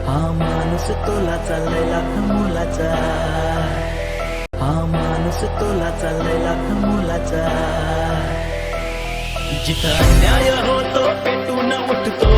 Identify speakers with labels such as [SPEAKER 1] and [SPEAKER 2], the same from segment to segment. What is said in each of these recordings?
[SPEAKER 1] हा माणूस तोला चाललाय लाख मोलाचा, हा माणूस तोला चाललाय लाख मोलाचा. जिथं अन्याय होतो पेटून उठतो,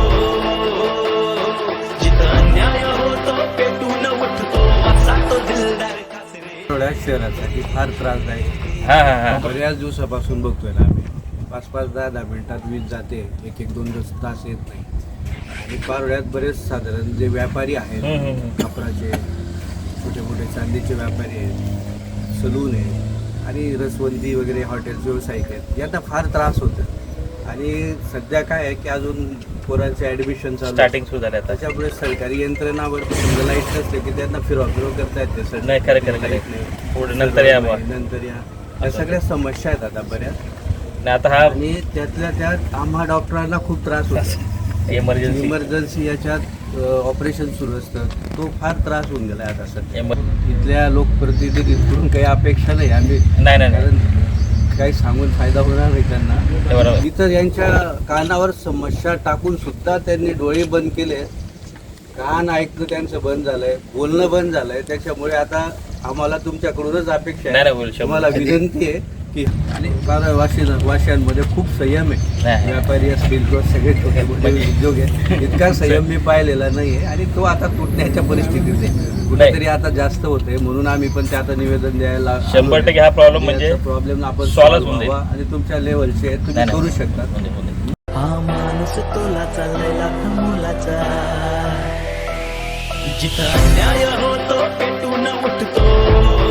[SPEAKER 1] जिथं अन्याय होतो पेटून उठतो, असा तो दिलदार कासरे.
[SPEAKER 2] थोड्या शहरासाठी फार त्रासदायक. बऱ्याच दिवसापासून बघतोय ना आम्ही, 5-5, 10-10 मिनिटात वीज जाते, 1-1-2 तास येत नाही. आणि पारोळ्यात बरेच साधारण जे व्यापारी आहेत, कापडाचे छोटे मोठे चांदीचे व्यापारी आहेत, सलून आहे आणि रसवंती वगैरे हॉटेल्स व्यावसायिक आहेत, यांना फार त्रास होतो. आणि सध्या काय आहे की अजून पोरांचे ॲडमिशन चालू
[SPEAKER 3] स्टार्टिंग सुरू झालं आता.
[SPEAKER 2] त्याच्यामुळे सरकारी यंत्रणावर समजा लाईट नसते की त्यांना फिरवा करता येते सर.
[SPEAKER 3] नाही, खरं पुढे नंतर या बुवा.
[SPEAKER 2] नंतर या सगळ्या समस्या आहेत आता बऱ्याच.
[SPEAKER 3] नाही आता हा
[SPEAKER 2] आणि त्यातल्या त्यात आम्हा डॉक्टरांना खूप त्रास होतो. इमर्जन्सी याच्यात ऑपरेशन सुरू असतं, तो फार त्रास होऊन गेला आता सध्या. इथल्या लोकप्रतिनिधींकडून काही अपेक्षा नाही आम्ही,
[SPEAKER 3] नाही
[SPEAKER 2] कारण काही सांगून फायदा होणार नाही
[SPEAKER 3] ते
[SPEAKER 2] त्यांना.
[SPEAKER 3] बरोबर.
[SPEAKER 2] इतर यांच्या कानावर समस्या टाकून सुद्धा त्यांनी डोळे बंद केले, कान ऐकणं त्यांचं बंद झालंय, बोलणं बंद झालंय. त्याच्यामुळे आता आम्हाला तुमच्याकडूनच अपेक्षा
[SPEAKER 3] नाही,
[SPEAKER 2] आहे,
[SPEAKER 3] बोल, शंभर.
[SPEAKER 2] तुम्हाला विनंती आहे की आणि वाशियांमध्ये खूप संयम आहे.
[SPEAKER 3] नाही.
[SPEAKER 2] व्यापारी असतील किंवा सगळे छोटे मोठे उद्योग आहे, इतका संयम मी पाहिलेला नाही आहे. आणि तो आता तुटण्याच्या परिस्थितीत आहे, कुठेतरी आता जास्त होते. म्हणून आम्ही पण ते आता निवेदन द्यायला
[SPEAKER 3] 100% हा प्रॉब्लेम म्हणजे
[SPEAKER 2] प्रॉब्लेम आपण
[SPEAKER 3] solve
[SPEAKER 2] solve
[SPEAKER 3] होऊन जाईल.
[SPEAKER 2] व्हावा. आणि तुमच्या लेवलचे तुम्ही
[SPEAKER 3] नाही,
[SPEAKER 2] करू शकता.
[SPEAKER 1] हा माणूस तोला चाललाय लाख मोलाचा, जिथं अन्याय होतो पेटून उठतो,